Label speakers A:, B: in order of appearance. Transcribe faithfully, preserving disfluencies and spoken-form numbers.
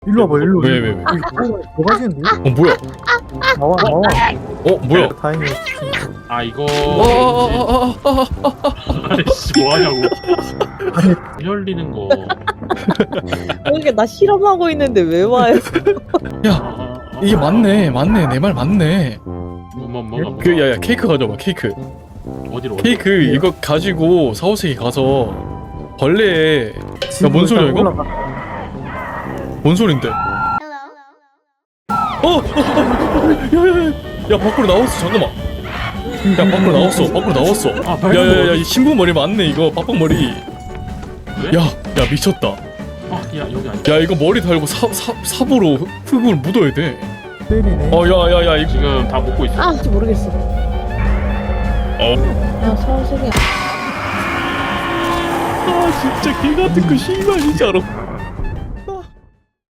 A: 일로 와봐 일로.
B: 왜, 왜, 왜?
A: 뭐 가시는데?
B: 어 뭐야?
A: 나와 나와.
B: 어 뭐야?
A: 다행히.
C: 아 이거
B: 어어어어어어
C: 아이씨 뭐하냐고. 열리는 거.
D: 이게 나 실험하고 있는데 왜 와요?
B: 야
C: 아, 아,
B: 이게 맞네 맞네 내 말 맞네.
C: 뭐, 뭐, 뭐가 뭐가
B: 그 야야 케이크 가져와 케이크.
C: 어디로
B: 케이크 이거 가지고 사후세계 가서 벌레에 뭔 소리야, 이거?
A: 올라가.
B: 뭔 소린데? 어! 어! 야야야! 야 밖으로 나왔어 잠깐만. 야 밖으로 나왔어 밖으로 나왔어.
C: 아 발톱
B: 야야야 이 신부 머리 맞네 이거 빡빡 머리.
C: 왜?
B: 야 야 미쳤다.
C: 아야 여기 아니
B: 야 이거 머리 달고 사, 사, 삽으로 흙- 흙을 묻어야 돼.
A: 때리네.
B: 어 야야야 이거
C: 지금 다 먹고 있어.
D: 아, 진짜 모르겠어.
B: 어.
D: 야, 서울색이야.
B: 아 진짜 개 같은 거 씨발 진짜로.